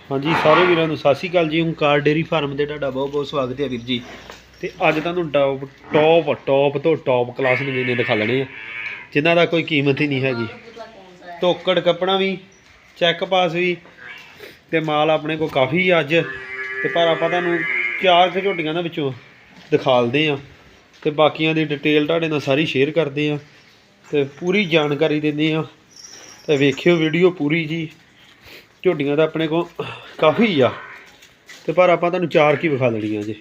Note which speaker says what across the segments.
Speaker 1: हाँ जी सारे वीरों को सत श्री अकाल जी। ओंकार डेयरी फार्म से तुहाडा बहुत बहुत स्वागत है वीर जी। तो अज तुहानूं टॉप तो टॉप क्लास नगीने दिखा लेने आ जिन्हां दा कोई कीमत ही नहीं हैगी। धोकड़ कपड़ा भी चैक पास भी तो माल अपने को काफ़ी अज तो पर आपां तुहानूं 4 झोटियां दे विचों दिखालदे आ ते बाकियां दी डिटेल तुहाडे नाल सारी शेयर करदे आ ते पूरी जानकारी दिंदे आ ते वेखियो वीडियो पूरी जी। झोटियां तो अपने को काफ़ी आ तो पर आपां तुहानूं 4 की विखा देणियां जे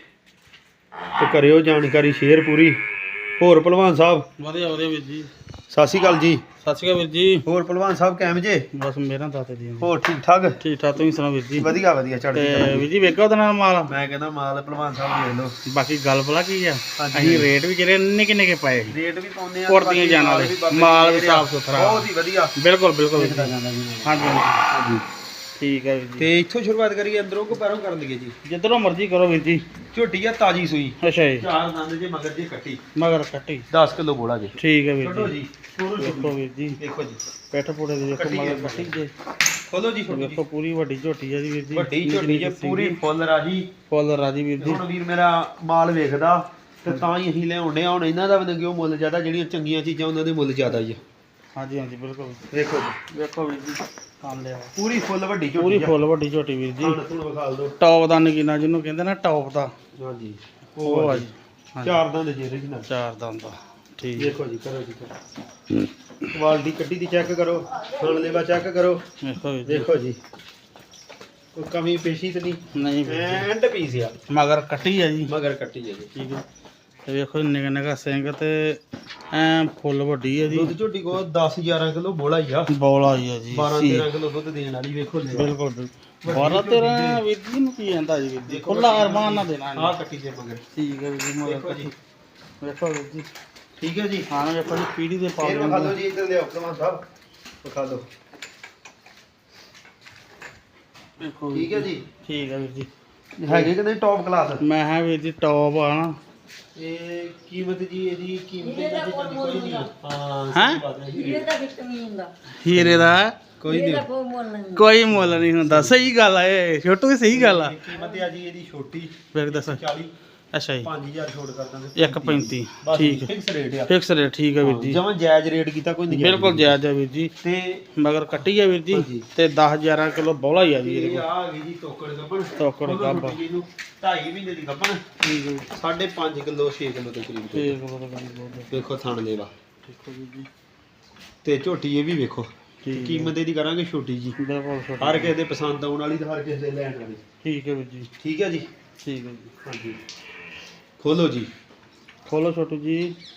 Speaker 1: तो करियो जानकारी शेयर पूरी। होर भलवान साहब
Speaker 2: वधिया वधिया वीर जी।
Speaker 1: सत श्री अकाल जी।
Speaker 2: सत श्री अकाल वीर जी।
Speaker 1: होर भलवान साहब कैम जे?
Speaker 2: बस मेरा दाते दी
Speaker 1: होर ठीक ठाक
Speaker 2: तुसीं सुणाओ वीर जी।
Speaker 1: वधिया वधिया चढ़दी कला जी।
Speaker 2: वीर जी वेखो उहदे नाल माल
Speaker 1: मैं कहना माल भलवान साहब देख लो।
Speaker 2: बाकी गल भला की आ
Speaker 1: ਹਾਂਜੀ।
Speaker 2: असीं रेट भी किहड़े निक्के निक्के पाए
Speaker 1: रेट भी पाउने आ
Speaker 2: कुर्तियां जान वाले माल भी साफ सुथरा
Speaker 1: बहुत ही वधिया
Speaker 2: बिल्कुल बिल्कुल वीर
Speaker 1: दिखदा
Speaker 2: जी।
Speaker 1: जांदा जी।
Speaker 2: हाँ जी हाँ जी
Speaker 1: ਹਾਂਜੀ
Speaker 2: ठीक है वीर जी।
Speaker 1: ਤੇ ਇੱਥੋਂ ਸ਼ੁਰੂਆਤ ਕਰੀਏ ਅੰਦਰੋਂ ਕੋ ਬਾਹਰੋਂ ਕਰ ਲਈਏ ਜੀ।
Speaker 2: जिधरों मर्जी करो वीर जी।
Speaker 1: ਝੋਟੀ ਆ ਤਾਜੀ ਸੂਈ
Speaker 2: अच्छा जी
Speaker 1: 4 ਦੰਦ ਜੇ ਮਗਰ ਜੇ ਕੱਟੀ
Speaker 2: मगर कट्टी
Speaker 1: 10 ਕਿਲੋ ਬੋਲਾ ਜੇ।
Speaker 2: ठीक है वीर
Speaker 1: ਛੱਡੋ
Speaker 2: जी।
Speaker 1: ਜੀ ਸ਼ੁਰੂ
Speaker 2: देखो वीर जी
Speaker 1: ਦੇਖੋ ਜੀ
Speaker 2: पैठ पुड़े दी देखो
Speaker 1: कट्टी है
Speaker 2: मगर कट्टी जे
Speaker 1: ਖੋਲੋ ਜੀ ਛੋਟੀ
Speaker 2: देखो पूरी वड्डी झोटी है जी वीर जी।
Speaker 1: ਵੱਡੀ ਝੋਟੀ ਜੇ ਪੂਰੀ ਫੁੱਲ ਰਾਜੀ।
Speaker 2: फुल राजी वीर जी।
Speaker 1: ਹੁਣ ਵੀਰ ਮੇਰਾ ਮਾਲ ਵੇਖਦਾ ਤੇ ਤਾਂ ਹੀ ਅਸੀਂ ਲਿਆਉਂਦੇ ਆ। ਹੁਣ ਇਹਨਾਂ ਦਾ ਵੀ ਕਿਉਂ ਮੁੱਲ ਜ਼ਿਆਦਾ, ਜਿਹੜੀਆਂ ਚੰਗੀਆਂ ਚੀਜ਼ਾਂ ਉਹਨਾਂ ਦੇ ਮੁੱਲ ਜ਼ਿਆਦਾ ਹੀ ਆ।
Speaker 2: हाँ जी हाँ जी बिल्कुल
Speaker 1: ਵੇਖੋ ਜੀ
Speaker 2: देखो वीर जी काम लिया
Speaker 1: ਪੂਰੀ ਫੁੱਲ ਵੱਡੀ
Speaker 2: पूरी
Speaker 1: ਝੋਟੀ
Speaker 2: फुल वड्डी झोटी वीर जी।
Speaker 1: ਤੁਹਾਨੂੰ ਵਿਖਾਲ ਦੋ।
Speaker 2: टॉप ਦਾ ਨਗੀਨਾ ਜਿਹਨੂੰ ਕਹਿੰਦੇ ਨਾ ਟੌਪ ਦਾ
Speaker 1: ਹਾਂਜੀ
Speaker 2: ਉਹ ਆ ਜੀ।
Speaker 1: ਚਾਰ ਦੰਦ ਜੇ original।
Speaker 2: ਚਾਰ ਦੰਦ ਦਾ ਠੀਕ
Speaker 1: ਦੇਖੋ ਜੀ ਕਰੋ ਜੀ ਕਰੋ। ਕੁਆਲਿਟੀ ਕੱਟੀ ਦੀ ਚੈੱਕ ਕਰੋ, ਥਣ ਲੇਵਾ ਚੈੱਕ ਕਰੋ।
Speaker 2: ਦੇਖੋ ਵੀਰ ਜੀ।
Speaker 1: ਦੇਖੋ ਜੀ ਕੋਈ ਕਮੀ ਪੇਸ਼ੀ ਤੇ ਨਹੀਂ,
Speaker 2: ਨਹੀਂ ਵੀਰ ਜੀ।
Speaker 1: ਐਂਡ ਪੀਸ ਆ
Speaker 2: ਮਗਰ ਕੱਟੀ ਆ ਜੀ
Speaker 1: ਮਗਰ ਕੱਟੀ ਹੈ ਜੀ।
Speaker 2: ਠੀਕ ਹੈ ਤੇ ਵੇਖੋ ਨਿੱਕਾ ਨਿੱਕਾ ਸਿੰਘ ਤੇ ਐ ਫੁੱਲ ਵੱਡੀ ਆ ਜੀ।
Speaker 1: ਦੁੱਧ ਝੋਟੀ ਕੋ 10-11 ਕਿਲੋ ਬੋਲਾ ਹੀ ਆ।
Speaker 2: ਬੋਲ ਆਈ ਆ ਜੀ
Speaker 1: 12-13 ਕਿਲੋ ਦੁੱਧ ਦੇਣ ਵਾਲੀ। ਵੇਖੋ ਲੈ
Speaker 2: ਬਿਲਕੁਲ ਬਿਲਕੁਲ 12-13 ਵੀਰ ਜੀ ਨੂੰ ਕੀ ਜਾਂਦਾ ਜੀ ਵੀਰ ਜੀ। ਖੁੱਲਾ ਅਰਮਾਨ ਨਾ ਦੇਣਾ
Speaker 1: ਆਹ ਕੱਟੀ ਜੇ ਮਗਰ।
Speaker 2: ਠੀਕ ਹੈ ਵੀਰ ਜੀ ਮਗਰ
Speaker 1: ਦੇਖੋ ਜੀ
Speaker 2: ਕੱਟੀ ਵੇਖੋ ਵੀਰ ਜੀ।
Speaker 1: ਠੀਕ ਹੈ ਜੀ।
Speaker 2: ਹਾਂ ਵੇਖੋ ਜੀ ਪੀੜੀ ਦੇ ਪਾ
Speaker 1: ਫੇਰ ਵਿਖਾ ਦਿਓ ਜੀ, ਇੱਧਰ ਲਿਆਓ ਭਲਵਾਨ ਸਾਹਿਬ ਵਿਖਾ ਦਿਓ।
Speaker 2: ਵੇਖੋ
Speaker 1: ਠੀਕ ਹੈ ਜੀ।
Speaker 2: ਠੀਕ ਹੈ ਵੀਰ ਜੀ।
Speaker 1: ਹੈਗੇ ਕਿ ਨਹੀਂ ਟੌਪ ਕਲਾਸ?
Speaker 2: ਮੈਂ ਹਾਂ ਵੀਰ ਜੀ ਟੌਪ ਆ ਨਾ।
Speaker 1: ਇਹ ਕੀਮਤ ਜੀ ਇਹਦੀ ਕੀਮਤ ਇਹਦੀ ਕੋਈ ਨਹੀਂ। ਹਾਂ
Speaker 2: ਹੈਂ?
Speaker 1: ਸਹੀ ਬਾਤ ਹੈ ਜੀ।
Speaker 2: ਹੀਰੇ ਦਾ
Speaker 1: ਕੋਈ ਨਹੀਂ
Speaker 2: ਕੋਈ ਮੁੱਲ ਨਹੀਂ ਹੁੰਦਾ। ਸਹੀ ਗੱਲ ਆ ਇਹ ਛੋਟੂ ਦੀ ਸਹੀ ਗੱਲ ਆ।
Speaker 1: ਕੀਮਤ ਹੈ ਜੀ ਇਹਦੀ ਛੋਟੀ
Speaker 2: ਵੇਖ ਦੱਸ
Speaker 1: 40
Speaker 2: ਅੱਛਾ ਜੀ
Speaker 1: 5000 ਛੋੜ ਕਰ ਦਾਂਗੇ।
Speaker 2: 1.35
Speaker 1: ਬਸ
Speaker 2: ਠੀਕ ਹੈ
Speaker 1: ਫਿਕਸ ਰੇਟ ਆ।
Speaker 2: ਫਿਕਸ ਰੇਟ ਠੀਕ ਹੈ ਵੀਰ ਜੀ।
Speaker 1: ਜਮਾਂ ਜਾਇਜ਼ ਰੇਟ ਕੀਤਾ, ਕੋਈ ਨਹੀਂ
Speaker 2: ਬਿਲਕੁਲ ਜਾਇਜ਼ ਹੈ ਵੀਰ ਜੀ।
Speaker 1: ਤੇ
Speaker 2: ਮਗਰ ਕੱਟੀ ਆ ਵੀਰ ਜੀ
Speaker 1: ਹਾਂਜੀ।
Speaker 2: ਤੇ 10-11 ਕਿਲੋ ਬੌਲਾ ਹੀ ਆ ਜੀ ਇਹਦੇ
Speaker 1: ਇਹ
Speaker 2: ਕੋਲ।
Speaker 1: ਆ ਗਈ ਜੀ ਟੋਕੜ ਗੱਪਣ।
Speaker 2: ਟੋਕੜ ਗੱਭਣ।
Speaker 1: 2.5 ਮਹੀਨੇ ਦੀ ਗੱਪਣ।
Speaker 2: ਠੀਕ ਹੈ
Speaker 1: 5.5 ਕਿਲੋ 6 ਕਿਲੋ ਦੇ ਕਰੀਬ।
Speaker 2: ਠੀਕ ਹੈ
Speaker 1: ਵੇਖੋ ਥਣ ਲੇਵਾ
Speaker 2: ਠੀਕ ਹੈ ਵੀਰ ਜੀ।
Speaker 1: ਤੇ ਝੋਟੀ ਇਹ ਵੀ ਵੇਖੋ।
Speaker 2: ਠੀਕ ਹੈ।
Speaker 1: ਕੀਮਤ ਇਹਦੀ ਕਰਾਂਗੇ ਛੋਟੀ ਜੀ,
Speaker 2: ਬਿਲਕੁਲ ਛੋਟਾ।
Speaker 1: ਹਰ ਕਿਸੇ ਦੇ ਪਸੰਦ ਆਉਣ ਵਾਲੀ ਤੇ ਹਰ ਕਿਸੇ ਦੇ ਲੈਣ ਵਾਲੀ।
Speaker 2: ਠੀਕ ਹੈ ਵੀਰ ਜੀ।
Speaker 1: ਠੀਕ ਹੈ ਜੀ।
Speaker 2: ਠੀਕ ਹੈ ਜੀ।
Speaker 1: ਹਾਂਜੀ ਖੋਲੋ ਜੀ।
Speaker 2: ਖੋਲੋ ਛੋਟੂ ਜੀ।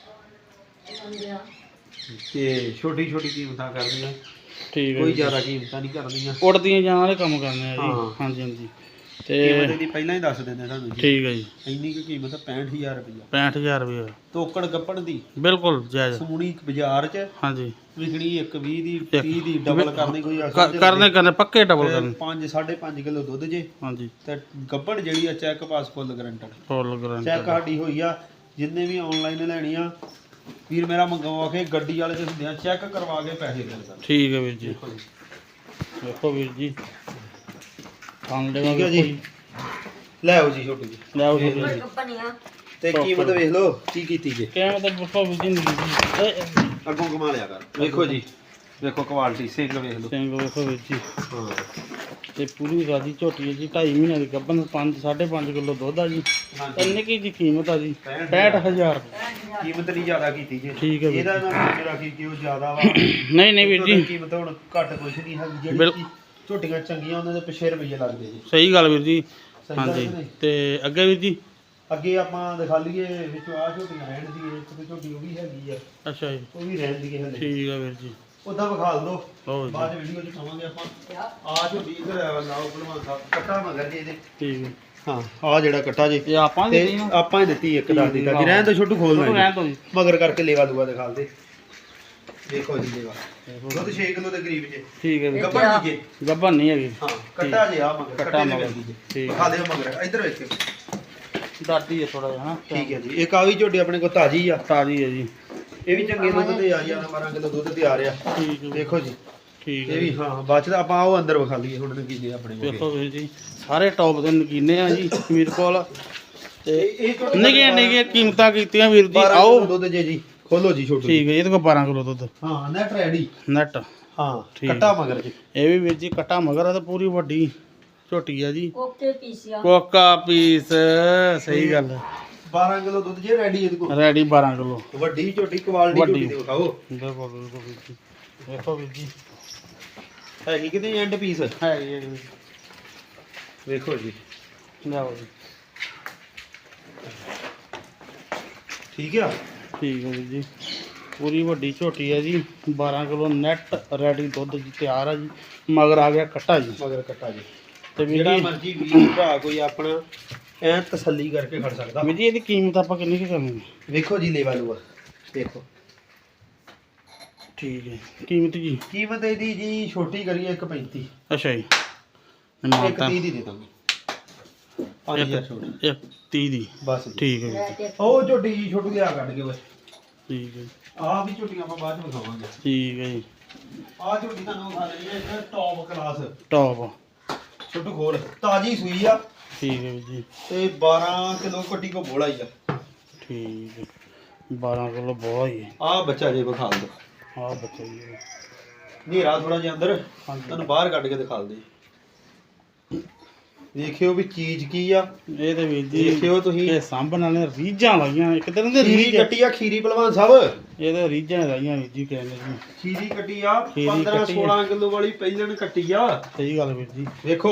Speaker 1: ਤੇ ਛੋਟੀ ਛੋਟੀ ਕੀਮਤਾਂ ਕਰਦੀਆਂ,
Speaker 2: ਠੀਕ ਹੈ
Speaker 1: ਕੋਈ
Speaker 2: ਜੀ।
Speaker 1: ਜ਼ਿਆਦਾ ਕੀਮਤਾਂ ਨਹੀਂ ਕਰਦੀਆਂ।
Speaker 2: ਉੜਦੀਆਂ ਜਾਣ ਵਾਲੇ ਕੰਮ ਕਰਨੇ ਆ ਜੀ।
Speaker 1: ਹਾਂ।
Speaker 2: ਹਾਂਜੀ ਹਾਂਜੀ
Speaker 1: ਕੀਮਤ
Speaker 2: ਤੇ
Speaker 1: ਇਹਦੀ ਪਹਿਲਾਂ ਹੀ ਦੱਸ ਦਿੰਦੇ ਤੁਹਾਨੂੰ ਜੀ।
Speaker 2: ਠੀਕ ਹੈ ਜੀ।
Speaker 1: ਇੰਨੀ ਕੁ ਕੀਮਤ ਆ 65000 ਰੁਪਇਆ।
Speaker 2: 65000 ਰੁਪਏ
Speaker 1: ਤੋਕੜ ਗੱਪਣ ਦੀ
Speaker 2: ਬਿਲਕੁਲ ਜਾਇਜ਼।
Speaker 1: ਸਮੂਣੀ ਬਾਜ਼ਾਰ 'ਚ
Speaker 2: ਹਾਂਜੀ
Speaker 1: ਵਿਕਣੀ 120 ਦੀ 30 ਦੀ ਡਬਲ ਕਰਨੀ ਕੋਈ
Speaker 2: ਕਰਨੇ ਪੱਕੇ ਡਬਲ ਕਰਨੇ।
Speaker 1: 5.5 ਕਿਲੋ ਦੁੱਧ ਜੇ
Speaker 2: ਹਾਂਜੀ
Speaker 1: ਤੇ ਗੱਪਣ ਜਿਹੜੀ ਆ check pass full guaranteed.
Speaker 2: Full guarantee
Speaker 1: check ਸਾਡੀ ਹੋਈ ਆ। ਜਿੰਨੇ ਵੀ ਆਨਲਾਈਨ ਲੈਣੀ ਆ ਵੀਰ ਮੇਰਾ ਮੰਗਵਾ ਕੇ ਗੱਡੀ ਵਾਲੇ ਦੇ ਹੁੰਦੇ ਆ, ਚੈੱਕ ਕਰਵਾ ਕੇ ਪੈਸੇ ਦਿੰਦਾ।
Speaker 2: ਠੀਕ ਹੈ ਵੀਰ ਜੀ।
Speaker 1: ਦੇਖੋ ਜੀ
Speaker 2: ਵੇਖੋ ਵੀਰ ਜੀ ਕੰਮ ਦੇ
Speaker 1: ਠੀਕ ਹੈ ਜੀ। ਲੈ ਆਓ ਜੀ ਛੋਟੀ ਜੀ।
Speaker 2: ਲੈ ਆਓ ਵੀਰ ਜੀ।
Speaker 1: ਤੇ ਕੀਮਤ ਵੇਖ ਲਓ ਕੀ ਕੀਤੀ ਜੇ।
Speaker 2: ਕਿਆ ਮਤਲਬ ਵੇਖੋ ਵੀਰ ਜੀ
Speaker 1: ਅੱਗੋਂ ਕਮਾ ਲਿਆ ਕਰ। ਵੇਖੋ ਜੀ ਵੇਖੋ ਕੁਆਲਿਟੀ ਸਿੰਘ ਵੇਖ ਲਓ।
Speaker 2: ਸਿੰਘ ਵੇਖੋ ਵੀਰ ਜੀ।
Speaker 1: ਹਾਂ
Speaker 2: ਤੇ ਪੂਰੀ ਰਾਜੀ ਝੋਟੀ ਹੈ ਜੀ 2.5 ਮਹੀਨੇ ਦੀ ਗੱਭਣ 5.5 ਕਿਲੋ ਦੁੱਧ ਆ ਜੀ।
Speaker 1: ਹਾਂਜੀ
Speaker 2: ਨਿੱਕੀ ਜੀ ਕੀਮਤ ਆ ਜੀ 65000
Speaker 1: ਕੀਮਤ ਨਹੀਂ ਜ਼ਿਆਦਾ ਕੀਤੀ ਜੇ।
Speaker 2: ਠੀਕ ਹੈ ਵੀਰ
Speaker 1: ਇਹਦਾ ਨਾ ਮੇਰਾ ਕੀ ਕਿ ਉਹ ਜ਼ਿਆਦਾ ਵਾ।
Speaker 2: ਨਹੀਂ ਨਹੀਂ ਵੀਰ ਜੀ
Speaker 1: ਕੀਮਤ ਹੁਣ ਘੱਟ ਕੁਛ ਨਹੀਂ ਹੈਗੀ। ਜਿਹੜੀ
Speaker 2: ਬਿਲਕੁਲ।
Speaker 1: ਝੋਟੀਆਂ ਚੰਗੀਆਂ ਉਹਨਾਂ ਦੇ ਪਿੱਛੇ ਰੁਪਈਏ ਲੱਗਦੇ ਜੀ।
Speaker 2: ਸਹੀ ਗੱਲ ਵੀਰ ਜੀ।
Speaker 1: ਸਹੀ ਗੱਲ
Speaker 2: ਹਾਂਜੀ
Speaker 1: ਕਿ ਨਹੀਂ?
Speaker 2: ਤੇ ਅੱਗੇ ਵੀਰ ਜੀ
Speaker 1: ਅੱਗੇ ਆਪਾਂ ਦਿਖਾ ਲਈਏ ਵਿੱਚੋਂ ਆਹ ਝੋਟੀਆਂ ਰਹਿਣ ਦੀ ਇੱਕ ਤੇ ਝੋਟੀ ਉਹ ਵੀ ਹੈਗੀ ਆ,
Speaker 2: ਅੱਛਾ ਜੀ
Speaker 1: ਉਹ ਵੀ ਰਹਿਣ ਦੀ ਹਲੇ।
Speaker 2: ਠੀਕ ਆ ਵੀਰ ਜੀ।
Speaker 1: ਉਦਾਂ ਵਿਖਾ ਦੋ
Speaker 2: ਲਓ ਜੀ
Speaker 1: ਬਾਅਦ ਵੀਡੀਓ ਚ ਪਾਵਾਂਗੇ ਆਪਾਂ। ਆਹ ਝੋਟੀ ਇਧਰ ਲਾਓ ਭਲਵਾਨ ਸਾਹਿਬ ਕੱਟਾ ਮਗਰ ਜੀ ਇਹਦੇ।
Speaker 2: ਠੀਕ ਹੈ।
Speaker 1: ਹਾਂ ਆਹ ਜਿਹੜਾ ਕੱਟਾ ਜੀ
Speaker 2: ਇਹ ਆਪਾਂ
Speaker 1: ਤੇ
Speaker 2: ਦੇ ਨਾ
Speaker 1: ਆਪਾਂ ਹੀ ਦਿੱਤੀ ਇੱਕ ਦੱਸ ਦਿੱਤਾ ਜੀ। ਰਹਿਣ ਤੋਂ ਛੋਟੂ ਖੋਲਣਾ
Speaker 2: ਰਹਿਣ ਦੋ ਜੀ।
Speaker 1: ਮਗਰ ਕਰਕੇ ਲੇਵਾ ਦੂਆ ਦਿਖਾ ਦੇ। ਦੇਖੋ ਜੀ ਲੇਵਾ ਦੁੱਧ 6 ਕਿਲੋ ਦੇ ਕਰੀਬ ਜੇ।
Speaker 2: ਠੀਕ ਹੈ ਵੀਰ
Speaker 1: ਗੱਭਣ ਜੀ ਜੇ।
Speaker 2: ਗੱਭਣ ਨਹੀਂ ਹੈਗੀ।
Speaker 1: ਹਾਂ ਕੱਟਾ ਜੇ ਆ ਮਗਰ
Speaker 2: ਕੱਟਾ
Speaker 1: ਕੱਟੇ ਦੇ
Speaker 2: ਮਗਰ।
Speaker 1: ਮਿਲਦੀ ਜੇ।
Speaker 2: ਠੀਕ
Speaker 1: ਦਿਖਾ ਦਿਓ ਮਗਰ ਇੱਧਰ ਵੇਖਿਓ।
Speaker 2: ਦਾਦੀ ਹੈ ਥੋੜਾ ਜਿਹਾ ਨਾ।
Speaker 1: ਠੀਕ ਹੈ ਜੀ। ਇੱਕ ਆ ਵੀ ਝੋਟੀ ਆਪਣੇ ਕੋਲ ਤਾਜ਼ੀ ਆ।
Speaker 2: ਤਾਜ਼ੀ ਹੈ ਜੀ।
Speaker 1: ਇਹ ਵੀ ਚੰਗੇ ਦੁੱਧ ਤੇ ਆ 11-12 ਕਿਲੋ ਦੁੱਧ ਤੇ ਆ ਰਿਹਾ।
Speaker 2: ਠੀਕ ਹੈ
Speaker 1: ਦੇਖੋ ਜੀ
Speaker 2: ਠੀਕ
Speaker 1: ਇਹ
Speaker 2: ਹੈ
Speaker 1: ਵੀ ਹਾਂ ਬਾਅਦ ਚ ਤਾਂ ਆਪਾਂ ਉਹ ਅੰਦਰ ਵਿਖਾ ਲਈਏ ਹੁਣ ਨਗੀਨੇ ਆਪਣੇ ਕੋਲ
Speaker 2: ਵੇਖੋ ਵੀਰ ਜੀ ਸਾਰੇ ਟੌਪ ਦੇ ਨਗੀਨੇ ਆ ਜੀ ਵੀਰ ਕੋਲ ਤੇ
Speaker 1: ਇਹ ਝੋਟੀ
Speaker 2: ਨਿੱਕੀਆਂ ਨਿੱਕੀਆਂ ਕੀਮਤਾਂ ਕੀਤੀਆਂ ਵੀਰ ਜੀ
Speaker 1: 12
Speaker 2: ਆਓ
Speaker 1: ਕਿਲੋ ਦੁੱਧ ਜੇ ਜੀ ਖੋਲੋ ਜੀ ਛੋਟੂ
Speaker 2: ਠੀਕ ਹੈ ਇਹਦੇ ਕੋਲ 12 ਕਿਲੋ ਦੁੱਧ
Speaker 1: ਹਾਂ ਨੈਟ ਰੈਡੀ
Speaker 2: ਨੈਟ
Speaker 1: ਹਾਂ
Speaker 2: ਠੀਕ।
Speaker 1: ਕੱਟਾ ਮਗਰ ਜੀ
Speaker 2: ਇਹ ਵੀ ਵੀਰ ਜੀ ਕੱਟਾ ਮਗਰ ਆ ਤੇ ਪੂਰੀ ਵੱਡੀ ਝੋਟੀ ਆ ਜੀ
Speaker 3: ਕੋਕੇ ਪੀਸਿਆ
Speaker 2: ਕੋਕਾ ਪੀਸ ਸਹੀ ਗੱਲ
Speaker 1: 12 ਕਿਲੋ ਦੁੱਧ ਜੇ ਰੈਡੀ ਇਹਦੇ ਕੋਲ
Speaker 2: ਰੈਡੀ 12 ਕਿਲੋ
Speaker 1: ਵੱਡੀ ਝੋਟੀ ਕੁਆਲਿਟੀ
Speaker 2: ਵੱਡੀ।
Speaker 1: ਝੋਟੀ ਦੇ ਵਿਖਾਓ
Speaker 2: ਬਿਲਕੁਲ ਬਿਲਕੁਲ ਵੀਰ ਜੀ ਵੇਖੋ ਵੀਰ ਜੀ
Speaker 1: ਹੈਗੀ ਕਿਤੇ ਐਂਡ ਪੀਸ
Speaker 2: ਹੈ ਜੀ ਇਹ ਵੀ।
Speaker 1: ਵੇਖੋ ਜੀ
Speaker 2: ਲਿਆਓ ਜੀ
Speaker 1: ਠੀਕ ਆ
Speaker 2: ਠੀਕ ਹੈ ਵੀਰ ਜੀ ਪੂਰੀ ਵੱਡੀ ਝੋਟੀ ਹੈ ਜੀ 12 ਕਿਲੋ ਨੈਟ ਰੈਡੀ ਦੁੱਧ ਜੀ ਤਿਆਰ ਆ ਜੀ ਮਗਰ ਆ ਗਿਆ ਕੱਟਾ ਜੀ
Speaker 1: ਮਗਰ ਕੱਟਾ ਜੀ
Speaker 2: ਤੇ ਵੀਰ
Speaker 1: ਜਿਹੜਾ
Speaker 2: ਜੀ
Speaker 1: ਮਰਜੀ ਵੀਰ ਭਰਾ ਕੋਈ ਆਪਣਾ ਐ ਤਸੱਲੀ ਕਰਕੇ ਖੜ ਸਕਦਾ
Speaker 2: ਵੀਰ ਜੀ ਇਹਦੀ ਕੀਮਤ ਆਪਾਂ ਕਿੰਨੀ ਕੁ ਕਰਨੀ ਹੈ
Speaker 1: ਵੇਖੋ ਜੀ ਲੇਵਾ ਲੂਆ ਦੇਖੋ
Speaker 2: ਠੀਕ ਹੈ ਕੀਮਤ ਜੀ
Speaker 1: ਕੀਮਤ ਇਹਦੀ ਜੀ ਛੋਟੀ ਕਰੀਏ 1.35
Speaker 2: ਅੱਛਾ ਜੀ ਮਾਤਾ
Speaker 1: 1.30 ਦੀ ਦੇ ਦਾਂਗੇ 5000 ਛੋਟ
Speaker 2: 30 ਦੀ
Speaker 1: ਬਸ ਜੀ।
Speaker 2: ਠੀਕ ਹੈ ਵੀਰ ਜੀ
Speaker 1: ਉਹ ਝੋਟੀ ਜੀ ਛੋਟੂ ਲਿਆ ਕੱਢ ਕੇ ਬਸ
Speaker 2: ਠੀਕ ਹੈ
Speaker 1: ਆਹ ਵੀ ਝੋਟੀਆਂ ਆਪਾਂ ਬਾਅਦ ਚ ਵਿਖਾਵਾਂਗੇ
Speaker 2: ਠੀਕ ਹੈ ਜੀ
Speaker 1: ਆਹ ਝੋਟੀ ਤੁਹਾਨੂੰ ਵਿਖਾ ਦੇਣੀ ਹੈ ਇੱਕ ਟੌਪ ਕਲਾਸ
Speaker 2: ਟੌਪ
Speaker 1: ਛੋਟੂ ਖੋਲ ਤਾਜੀ ਸੂਈ ਆ
Speaker 2: ਠੀਕ ਹੈ ਵੀਰ ਜੀ
Speaker 1: ਤੇ 12 ਕਿਲੋ ਕੱਟੀ ਕੋ ਬੋਲਾ ਹੀ ਆ
Speaker 2: ਠੀਕ ਹੈ 12 ਕਿਲੋ ਬਹੁਤ ਹੀ ਹੈ
Speaker 1: ਆਹ ਬੱਚਾ ਜੇ ਵਿਖਾ ਦੋ
Speaker 2: ਆਹ ਬੱਚਾ ਜੀ
Speaker 1: ਹਨੇਰਾ ਥੋੜਾ ਜਿਹਾ ਅੰਦਰ
Speaker 2: ਹਾਂਜੀ
Speaker 1: ਤੁਹਾਨੂੰ ਬਾਹਰ ਕੱਢ ਕੇ ਦਿਖਾ ਦੇ ਦੇਖਿਓ ਵੀ ਚੀਜ਼ ਕੀ ਆ
Speaker 2: ਇਹ ਤੇ ਵੀਰ ਜੀ
Speaker 1: ਦੇਖਿਓ ਤੁਸੀਂ
Speaker 2: ਇਹ ਸਾਂਭਣ ਵਾਲੇ ਰੀਝਾਂ ਲਾਈਆਂ ਇੱਕ ਤਰ੍ਹਾਂ ਦੇ
Speaker 1: ਖੀਰੀ
Speaker 2: ਰੀਝ
Speaker 1: ਕੱਟੀ ਆ ਖੀਰੀ ਪਹਿਲਵਾਨ ਸਾਹਿਬ
Speaker 2: ਇਹ ਤੇ ਰੀਝਾਂ ਲਾਈਆਂ ਵੀਰ ਜੀ ਕਹਿੰਦੇ ਜੀ
Speaker 1: ਖੀਰੀ ਕੱਟੀ ਆ
Speaker 2: ਖੀਰੀ
Speaker 1: 15
Speaker 2: ਕੱਟੀ ਆ।
Speaker 1: 16 ਕਿਲੋ ਵਾਲੀ ਪਹਿਲਣ ਕੱਟੀ ਆ
Speaker 2: ਸਹੀ ਗੱਲ ਵੀਰ ਜੀ
Speaker 1: ਵੇਖੋ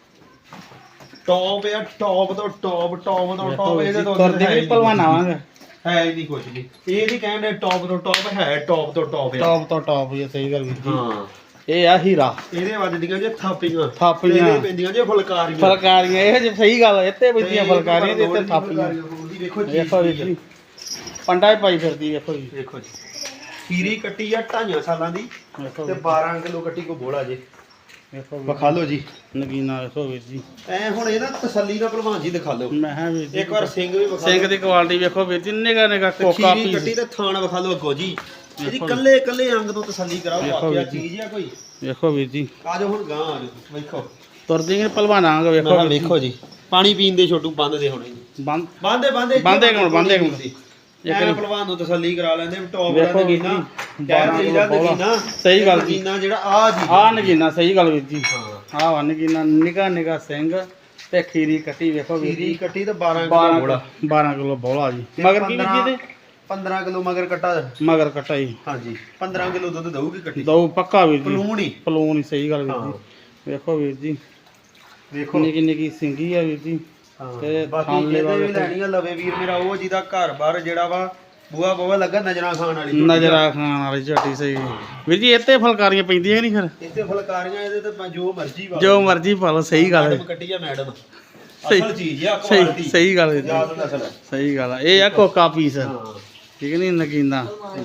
Speaker 1: ਟੌਪ ਆ ਟੌਪ ਤੋਂ ਟੌਪ ਟੌਪ ਤੋਂ ਟੌਪ ਇਹਦੇ ਤੋਂ
Speaker 2: ਕਰਦੇ ਵੀ ਭਲਵਾਨ ਆਵਾਂਗੇ
Speaker 1: ਹੈ ਹੀ ਨਹੀਂ ਕੁਝ ਵੀ ਇਹ ਨਹੀਂ ਕਹਿੰਦੇ ਟੌਪ ਤੋਂ ਟੌਪ ਹੈ ਟੌਪ ਤੋਂ ਟੌਪ ਆ
Speaker 2: ਟੌਪ ਤੋਂ ਟੌਪ ਹੀ ਆ, ਸਹੀ ਗੱਲ ਵੀਰ ਜੀ
Speaker 1: ਹਾਂ
Speaker 2: ਇਹ ਆ ਹੀਰਾ
Speaker 1: ਇਹਦੇ ਵੱਜਦੀਆਂ ਜੇ ਥਾਪੀਆਂ
Speaker 2: ਥਾਪੀਆਂ।
Speaker 1: ਇਹਦੇ ਪੈਂਦੀਆਂ ਜੇ ਫੁਲਕਾਰੀਆਂ
Speaker 2: ਫਲਕਾਰੀਆਂ ਇਹ ਜੇ ਸਹੀ ਗੱਲ ਹੈ, ਇੱਥੇ ਬੈਠੀਆਂ
Speaker 1: ਤੇ
Speaker 2: ਫਲਕਾਰੀਆਂ ਤੇ ਇੱਥੇ
Speaker 1: ਫੁਲਕਾਰੀਆਂ
Speaker 2: ਥਾਪੀਆਂ
Speaker 1: ਬੋਲਦੀ, ਵੇਖੋ ਜੀ
Speaker 2: ਵੇਖੋ ਵੀਰ ਜੀ ਪੰਡਾ ਹੀ ਪਾਈ ਫਿਰਦੀ ਵੇਖੋ ਜੀ
Speaker 1: ਵੇਖੋ ਜੀ ਖੀਰੀ ਕੱਟੀ ਆ 2.5 ਸਾਲਾਂ ਦੀ
Speaker 2: ਵੇਖੋ
Speaker 1: ਤੇ 12 ਕਿਲੋ ਕੱਟੀ ਕੋ ਬੋਲਾ ਜੇ
Speaker 2: ਵੇਖੋ
Speaker 1: ਵਿਖਾ ਲਓ ਜੀ
Speaker 2: ਨਗੀਨਾ ਵੇਖੋ ਵੀਰ ਜੀ
Speaker 1: ਐ ਹੁਣ ਇਹ ਨਾ ਤਸੱਲੀ ਨਾਲ ਭਲਵਾਨ ਜੀ ਦਿਖਾ ਲਓ
Speaker 2: ਮੈਂ ਹਾਂ ਵੀਰ ਜੀ
Speaker 1: ਇੱਕ ਵਾਰ ਸਿੰਘ ਵੀ ਵਿਖਾ
Speaker 2: ਸਿੰਘ ਦੀ ਕੁਆਲਿਟੀ ਵੇਖੋ ਵੀਰ ਜੀ ਨਿਗਾ ਨਿਗਾ
Speaker 1: ਤੇ
Speaker 2: ਕੋਕਾ
Speaker 1: ਖੀਰੀ
Speaker 2: ਪੀਸ
Speaker 1: ਕੱਟੀ ਤੇ ਥਾਣ ਵਿਖਾ ਲਓ ਅੱਗੋ ਜੀ ਇਹਦੀ
Speaker 2: ਵੇਖੋ।
Speaker 1: ਕੱਲੇ ਕੱਲੇ ਅੰਗ ਤੋਂ ਤਸੱਲੀ ਕਰਾਓ
Speaker 2: ਵੇਖੋ
Speaker 1: ਵਾਕਿਆ
Speaker 2: ਵੀਰ ਜੀ।
Speaker 1: ਚੀਜ਼ ਆ ਕੋਈ
Speaker 2: ਵੇਖੋ ਵੀਰ ਜੀ
Speaker 1: ਆ ਜਾਓ ਹੁਣ ਗਾਂ ਆ ਜਾਓ ਵੇਖੋ
Speaker 2: ਤੁਰਦੀ ਨੇ ਭਲਵਾਨਾਂਗੇ ਵੇਖੋ ਵੀਰ ਜੀ।
Speaker 1: ਵੇਖੋ ਜੀ ਪਾਣੀ ਪੀਣ ਦੇ ਛੋਟੂ ਬੰਦ ਦੇ ਹੋਣੇ ਜੀ
Speaker 2: ਬੰਦ
Speaker 1: ਬੰਦੇ ਬੰਦੇ
Speaker 2: ਬੰਦੇ ਕੋਲ ਬੰਦੇ ਕੋਲ
Speaker 1: ਇੱਕ ਭਲਵਾਨ ਨੂੰ ਤਸੱਲੀ ਕਰਾ ਲੈਂਦੇ ਟੌਪ
Speaker 2: ਵੇਖੋ
Speaker 1: ਦਾ
Speaker 2: ਵੀਰ
Speaker 1: ਨਗੀਨਾ
Speaker 2: ਜੀ,
Speaker 1: ਕਹਿ ਦੇਈਦਾ
Speaker 2: 12
Speaker 1: ਨਗੀਨਾ
Speaker 2: ਸਹੀ ਗੱਲ ਜੀ।
Speaker 1: ਨਗੀਨਾ ਜਿਹੜਾ ਆ ਜੀ
Speaker 2: ਆ ਨਗੀਨਾ ਸਹੀ ਗੱਲ ਵੀਰ ਜੀ
Speaker 1: ਹਾਂ
Speaker 2: ਆ ਵਾ ਨਗੀਨਾ ਨਿਗਾ ਨਿਗਾ ਸਿੰਘ ਤੇ ਖੀਰੀ ਕੱਟੀ ਵੇਖੋ ਵੀਰ
Speaker 1: ਖੀਰੀ
Speaker 2: ਜੀ
Speaker 1: ਕੱਟੀ ਤੇ 12 ਕਿਲੋ
Speaker 2: 12
Speaker 1: ਬੋਲਾ
Speaker 2: 12 ਕਿਲੋ ਬੋਲਾ ਜੀ ਮਗਰ ਕੀ ਵੀਰ ਜੀ
Speaker 1: 15 ਕਿਲੋ ਮਗਰ ਕੱਟਾ
Speaker 2: ਇਹਦੇ ਮਗਰ ਕੱਟਾ ਜੀ
Speaker 1: ਹਾਂਜੀ 15 ਕਿਲੋ ਦੁੱਧ ਦਊਗੀ ਕੱਟੀ
Speaker 2: ਦੋ ਪੱਕਾ ਵੀਰ ਜੀ
Speaker 1: ਪਲੂਣ ਹੀ
Speaker 2: ਪਲੂਨ ਹੀ ਸਹੀ ਗੱਲ ਵੀਰ
Speaker 1: ਹਾਂ।
Speaker 2: ਜੀ ਵੇਖੋ ਵੀਰ ਜੀ
Speaker 1: ਵੇਖੋ
Speaker 2: ਨਿੱਕੀ ਨਿੱਕੀ ਸਿੰਗੀ ਆ ਵੀਰ ਜੀ
Speaker 1: ਹਾਂ
Speaker 2: ਤੇ
Speaker 1: ਬਾਕੀ
Speaker 2: ਥਾਂਲੇ
Speaker 1: ਇਹਦੇ ਵੀ
Speaker 2: ਵਾਲੇ
Speaker 1: ਲੈਣੀ ਆ ਲਵੇ ਵੀਰ ਮੇਰਾ ਉਹ ਜਿਹਦਾ ਘਰ ਬਾਹਰ ਜਿਹੜਾ ਵਾ ਬੂਆ ਬੂਆ ਲੱਗਾ ਨਜ਼ਰਾਂ ਖਾਣ ਵਾਲੀ ਝੋਟੀ
Speaker 2: ਨਜ਼ਰਾ ਖਾਣ ਵਾਲੀ ਝੋਟੀ ਸਹੀ ਵੀਰ ਜੀ ਇੱਥੇ ਫਲਕਾਰੀਆਂ ਪੈਂਦੀਆਂ ਨਹੀਂ ਫਿਰ
Speaker 1: ਇੱਥੇ ਫੁਲਕਾਰੀਆਂ ਇਹਦੇ ਤੇ ਜੋ ਮਰਜ਼ੀ ਵਾ
Speaker 2: ਜੋ ਮਰਜ਼ੀ ਪਾ ਲਓ ਸਹੀ ਗੱਲ ਹੈ
Speaker 1: ਮੈਡਮ ਕੱਟੀ ਆ ਮੈਡਮ
Speaker 2: ਸਹੀ-
Speaker 1: ਅਸਲ ਚੀਜ਼ ਆ
Speaker 2: ਸਹੀ
Speaker 1: ਕੁਆਲਿਟੀ
Speaker 2: ਸਹੀ ਗੱਲ ਵੀਰ ਜੀ
Speaker 1: ਯਾਦ ਨਸਲ ਹੈ
Speaker 2: ਸਹੀ ਗੱਲ ਆ ਇਹ ਆ ਕੋਕਾ ਪੀਸ
Speaker 1: ਹਾਂ
Speaker 2: ਠੀਕ ਨਹੀਂ ਨਗੀਨਾ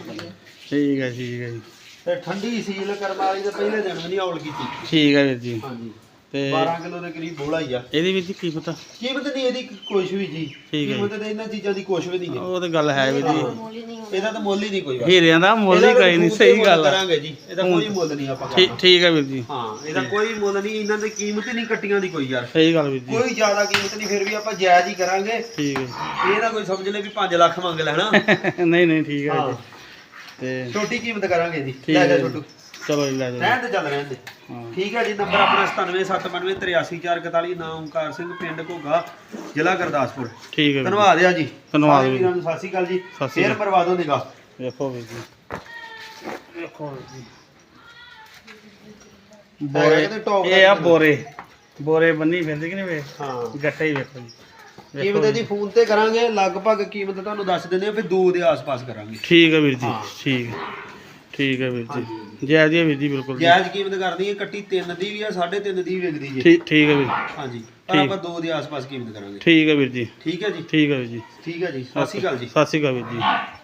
Speaker 2: ਠੀਕ ਹੈ ਜੀ
Speaker 1: ਤੇ ਠੰਡੀ ਸੀਲ ਕਰਮ ਵਾਲੀ ਤੇ ਪਹਿਲੇ ਦਿਨ ਵੀ ਨਹੀਂ ਔਲ ਕੀਤੀ
Speaker 2: ਠੀਕ ਹੈ ਵੀਰ ਜੀ
Speaker 1: ਹਾਂਜੀ
Speaker 2: ਤੇ
Speaker 1: 12 ਕਿਲੋ ਦੇ ਕਰੀਬ ਬੋਲਾ ਹੀ ਆ
Speaker 2: ਇਹਦੀ ਵੀਰ ਜੀ ਕੀ ਪਤਾ
Speaker 1: ਕੀਮਤ ਨਹੀਂ ਇਹਦੀ ਕੁਛ ਵੀ ਜੀ
Speaker 2: ਠੀਕ ਹੈ
Speaker 1: ਕੀਮਤ ਤੇ ਇਹਨਾਂ ਚੀਜ਼ਾਂ ਦੀ ਕੁਛ ਵੀ ਨਹੀਂ ਹੈ
Speaker 2: ਉਹ ਤੇ ਗੱਲ ਹੈ ਵੀਰ ਜੀ
Speaker 1: ਇਹਦਾ ਤਾਂ ਮੁੱਲ ਹੀ ਨਹੀਂ ਕੋਈ ਵਾ
Speaker 2: ਹੀਰਿਆਂ ਦਾ ਮੁੱਲ ਹੀ ਕੋਈ ਨਹੀਂ ਸਹੀ ਗੱਲ ਆ
Speaker 1: ਕਰਾਂਗੇ ਜੀ ਇਹਦਾ ਕੋਈ ਮੁੱਲ ਨਹੀਂ ਆਪਾਂ
Speaker 2: ਠੀਕ
Speaker 1: ਕਰਨਾ
Speaker 2: ਠੀਕ ਹੈ ਵੀਰ ਜੀ
Speaker 1: ਹਾਂ ਇਹਦਾ ਕੋਈ ਮੁੱਲ ਨਹੀਂ ਇਹਨਾਂ ਦੀ ਕੀਮਤ ਹੀ ਨਹੀਂ ਕੱਟੀਆਂ ਦੀ ਕੋਈ ਯਾਰ
Speaker 2: ਸਹੀ ਗੱਲ ਵੀਰ ਜੀ
Speaker 1: ਕੋਈ ਜ਼ਿਆਦਾ ਕੀਮਤ ਨਹੀਂ ਫਿਰ ਵੀ ਆਪਾਂ ਜਾਇਜ਼ ਹੀ ਕਰਾਂਗੇ
Speaker 2: ਠੀਕ ਹੈ
Speaker 1: ਇਹ ਨਾ ਕੋਈ ਸਮਝ ਲੈ ਵੀ 5 ਲੱਖ ਮੰਗ ਲੈਣਾ
Speaker 2: ਨਹੀਂ ਨਹੀਂ ਠੀਕ ਹੈ
Speaker 1: ਹਾਂ
Speaker 2: ਜੀ ਤੇ
Speaker 1: ਛੋਟੀ ਕੀਮਤ ਕਰਾਂਗੇ ਜੀ
Speaker 2: ਠੀਕ
Speaker 1: ਲੈ ਜਾ
Speaker 2: ਹੈ
Speaker 1: ਛੋਟੂ
Speaker 2: ਚਲੋ ਜੀ ਲੈ ਜਾਓ
Speaker 1: ਰਹਿਣ ਦੇ ਚੱਲ ਰਹਿਣ ਦੇ
Speaker 2: ਹਾਂ
Speaker 1: ਠੀਕ ਹੈ ਜੀ ਨੰਬਰ ਆਪਣਾ 9779838441 ਨਾਮ ਓਮਕਾਰ ਸਿੰਘ ਪਿੰਡ ਘੋਗਾ ਜ਼ਿਲ੍ਹਾ ਗੁਰਦਾਸਪੁਰ
Speaker 2: ਠੀਕ ਹੈ ਵੀਰ ਜੀ।
Speaker 1: ਧੰਨਵਾਦ ਆ ਜੀ
Speaker 2: ਧੰਨਵਾਦ
Speaker 1: ਸਾਰੇ
Speaker 2: ਵੀਰ।
Speaker 1: ਵੀਰਾਂ ਨੂੰ ਸਤਿ ਸ਼੍ਰੀ ਅਕਾਲ ਜੀ
Speaker 2: ਸਤਿ ਸ਼੍ਰੀ
Speaker 1: ਫੇਰ
Speaker 2: ਅਕਾਲ।
Speaker 1: ਮਰਵਾ ਦਿਓ ਨਿਗਾਹ
Speaker 2: ਵੇਖੋ ਵੀਰ ਜੀ ਵੇਖੋ ਵੀਰ ਜੀ
Speaker 1: ਹੈਗਾ
Speaker 2: ਬੋਰੇ
Speaker 1: ਕਿਤੇ top
Speaker 2: ਇਹ ਆ
Speaker 1: ਦਾ
Speaker 2: ਬੋਰੇ ਬੋਰੇ ਬੰਨੀ ਫਿਰਦੇ ਕਿ ਨਹੀਂ ਵੇ
Speaker 1: ਹਾਂ
Speaker 2: ਗੱਟੇ ਹੀ ਵੇਖੋ ਜੀ
Speaker 1: ਕੀਮਤ ਦੀ ਫੋਨ ਤੇ ਕਰਾਂਗੇ ਲਗਭਗ ਕੀਮਤ ਤੁਹਾਨੂੰ ਦੱਸ ਦਿੰਦੇ ਆ ਫਿਰ 2 ਦੇ ਆਸ-ਪਾਸ ਕਰਾਂਗੇ
Speaker 2: ਠੀਕ ਹੈ ਵੀਰ ਜੀ
Speaker 1: ਹਾਂ।
Speaker 2: ਠੀਕ ਹੈ ਵੀਰ ਜੀ ਜੈ ਜੀ ਵੀਰ ਜੀ ਬਿਲਕੁਲ ਜੀ।
Speaker 1: ਜਾਇਜ਼ ਕੀਮਤ ਕਰਦੀ ਹੈ ਕੱਟੀ 3 ਦੀ ਵੀ ਆ 3.5 ਦੀ ਵੀ ਵਿਕਦੀ ਜੀ
Speaker 2: ਠੀਕ ਹੈ ਵੀਰ
Speaker 1: ਹਾਂਜੀ ਪਰ ਆਪਾਂ 2 ਦੇ ਆਸ-ਪਾਸ ਕੀਮਤ ਕਰਾਂਗੇ
Speaker 2: ਠੀਕ ਹੈ ਵੀਰ ਜੀ
Speaker 1: ਠੀਕ ਹੈ ਜੀ
Speaker 2: ਠੀਕ ਹੈ ਵੀਰ ਜੀ
Speaker 1: ਠੀਕ ਹੈ ਜੀ ਸਤਿ ਸ਼੍ਰੀ ਅਕਾਲ ਜੀ
Speaker 2: ਸਤਿ ਸ਼੍ਰੀ ਅਕਾਲ ਵੀਰ ਜੀ